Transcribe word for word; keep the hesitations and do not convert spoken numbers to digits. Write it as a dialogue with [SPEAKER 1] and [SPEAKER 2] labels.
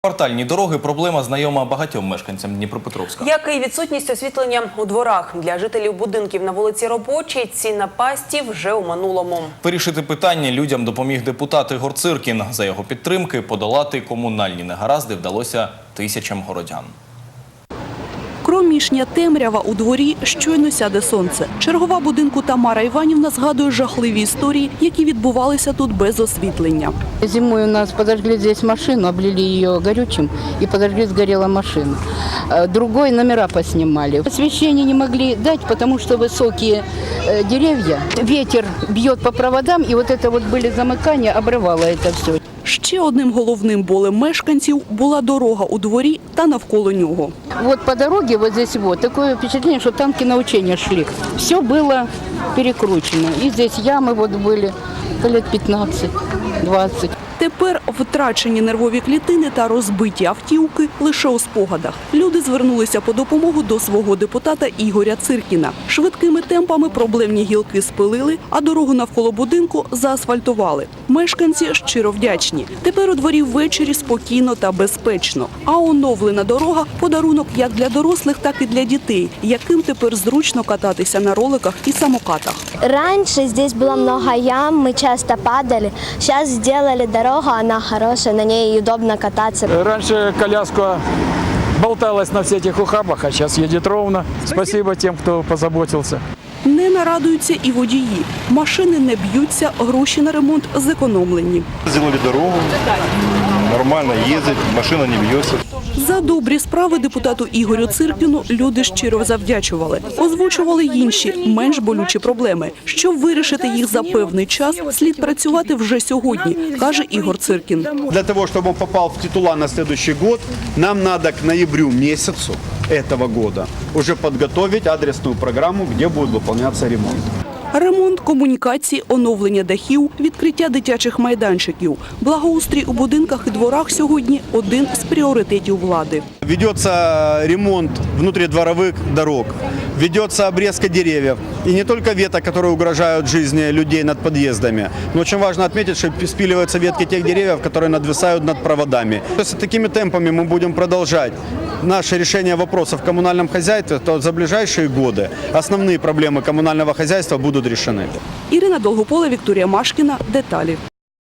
[SPEAKER 1] Квартальні дороги – проблема знайома багатьом мешканцям Дніпропетровська.
[SPEAKER 2] Як і відсутність освітлення у дворах. Для жителів будинків на вулиці Робочій ці напасті вже у минулому.
[SPEAKER 1] Вирішити питання людям допоміг депутат Ігор Циркін. За його підтримки подолати комунальні негаразди вдалося тисячам городян.
[SPEAKER 3] Кромішня темрява у дворі, щойно сяде сонце. Чергова будинку Тамара Іванівна згадує жахливі історії, які відбувалися тут без освітлення.
[SPEAKER 4] Зимой у нас подожгли здесь машину, облили ее горючим и подожгли, сгорела машина. Другой номера поснимали. Освещение не могли дать, потому что высокие деревья. Ветер бьет по проводам, и вот это вот были замыкания, обрывало это все.
[SPEAKER 3] Ще одним головним болем мешканців була дорога у дворі та навколо нього.
[SPEAKER 4] Вот по дороге вот здесь вот такое впечатление, что танки на учения шли. Все было перекручено. И здесь ямы вот были лет пятнадцать-двадцать.
[SPEAKER 3] Тепер втрачені нервові клітини та розбиті автівки лише у спогадах. Люди звернулися по допомогу до свого депутата Ігоря Циркіна. Швидкими темпами проблемні гілки спилили, а дорогу навколо будинку заасфальтували. Мешканці щиро вдячні. Тепер у дворі ввечері спокійно та безпечно. А оновлена дорога – подарунок як для дорослих, так і для дітей, яким тепер зручно кататися на роликах і самокатах.
[SPEAKER 5] Раньше здесь было много ям, мы часто падали. Сейчас сделали дорогу, она хорошая, на ней удобно кататься.
[SPEAKER 6] Раньше коляска болталась на всех этих ухабах, а сейчас едет ровно. Спасибо тем, кто позаботился.
[SPEAKER 3] Не нарадуються і водії. Машини не б'ються, гроші на ремонт зекономлені.
[SPEAKER 7] Сделали дорогу, нормально ездить, машина не бьется.
[SPEAKER 3] За добрі справи депутату Ігорю Циркіну люди щиро завдячували. Озвучували інші, менш болючі проблеми. Щоб вирішити їх за певний час, слід працювати вже сьогодні, каже Ігор Циркін.
[SPEAKER 8] Для того, чтобы он попал в титула на следующий год, нам надо к ноябрю месяцу этого года уже подготовить адресную программу, где будет выполняться ремонт.
[SPEAKER 3] Ремонт комунікацій, оновлення дахів, відкриття дитячих майданчиків. Благоустрій у будинках і дворах сьогодні – один з пріоритетів влади.
[SPEAKER 8] Ведется ремонт внутридворовых дорог, ведется обрезка деревьев. И не только веток, которые угрожают жизни людей над подъездами, но очень важно отметить, что спиливаются ветки тех деревьев, которые надвисают над проводами. Если такими темпами мы будем продолжать наше решение вопросов в коммунальном хозяйстве, то за ближайшие годы основные проблемы коммунального хозяйства будут решены.
[SPEAKER 3] Ірина Долгопола, Вікторія Машкіна. Деталі.